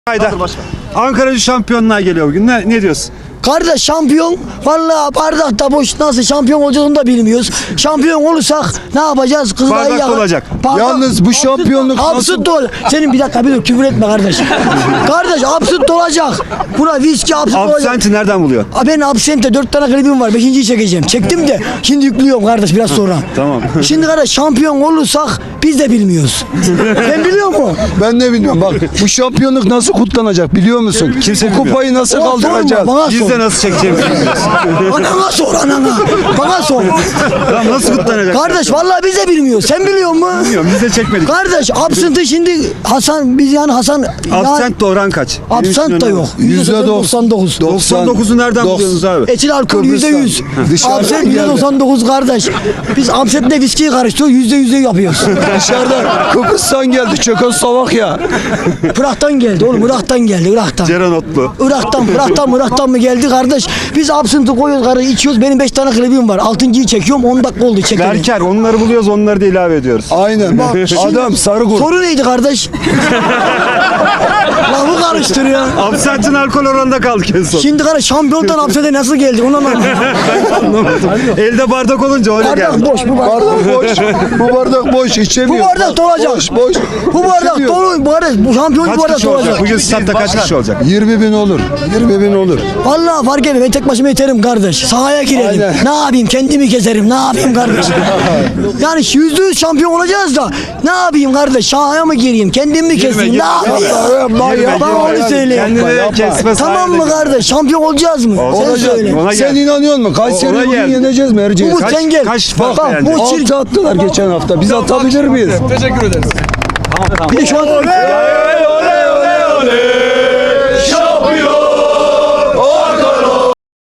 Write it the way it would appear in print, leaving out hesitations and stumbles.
Ankara şampiyonluğa geliyor bugün. Ne diyorsun? Kardeş şampiyon vallahi bardakta boş, nasıl şampiyon olacağız onu da bilmiyoruz. Şampiyon olursak ne yapacağız? Kızılay'ı Bardak yakar. olacak. Yalnız bu şampiyonluk absürt olacak. Senin bir dakika bir dur, küfür etme kardeş. Kardeş absürt olacak. Buna viski absürt olacak. Absenti nereden buluyor? Ben absente 4 tane klibim var. 5.'yi çekeceğim. Çektim de şimdi yüklüyorum kardeş biraz sonra. Tamam. Şimdi kardeş şampiyon olursak biz de bilmiyoruz. Sen biliyor musun? Ben ne bilmiyorum bak bu şampiyonluk nasıl kutlanacak biliyor musun? Kimse bu kupayı nasıl kaldıracağız? Bana Biz sor. de nasıl çekeceğimizi bilmiyoruz. Anana sor anana. Bana sor. Tamam, nasıl kutlanacak? Kardeş vallahi biz de bilmiyoruz. Sen biliyor musun? Bilmiyorum, biz de çekmedik. Kardeş absenti şimdi Hasan, biz yani Hasan Absent de oran kaç? absent da yok. %99. 99'u nereden buluyorsunuz abi? Etil alkol %100. Dışarıdan Absent geldi. %99 kardeş. Biz absentle viskiyi karıştırıyoruz, %100'de yapıyoruz. Dışarıdan Kıbrıs'tan geldi Çekoslovakya. Irak'tan geldi oğlum, Irak'tan geldi, Irak'tan. Ceren Otlu. Irak'tan mı geldi kardeş? Biz absenti koyuyoruz kardeş, içiyoruz. Benim 5 tane klibim var. 6.'yı çekiyorum, 10 dakika oldu çekelim. Berker, onları buluyoruz, onları da ilave ediyoruz. Aynen. Adam sarı kurt. Soru neydi kardeş? Lafı karıştırıyor. Absentin alkol oranında kaldık en son. Şimdi kardeş şampiyondan absente nasıl geldi onu anlamadım. Anlamadım. Elde bardak olunca öyle Bardak geldi. boş, bu bardak. Bardak boş. Bu bardak boş içemiyor. Bu bardak dolacak. Boş. Bu bardak İçemiyor. dolu, bu şampiyon bu Kaç bardak kişi olacak? dolacak. Bugün statta kaç kişi olacak? 20.000 olur. 20.000 olur. Vallahi fark etmez, ben tek başıma yeterim kardeş. Sahaya girelim. Aynen. Ne yapayım, kendimi keserim. Ne yapayım kardeş? Yani %100 şampiyon olacağız da ne yapayım kardeş? Sahaya mı gireyim? Kendimi mi keseyim? Ne yapayım? Bana onu söyle. Kendini kesme Tamam mı kardeş? Şampiyon olacağız mı? Sen söyle. Ona Sen gel. inanıyor musun? Ona Kayseri bugün gel. yeneceğiz mi Erciyes? Umut sen gel. kaç Bak fark yani? bu çirkin. 6 attılar geçen hafta. Biz atabilir miyiz? Bir de şu an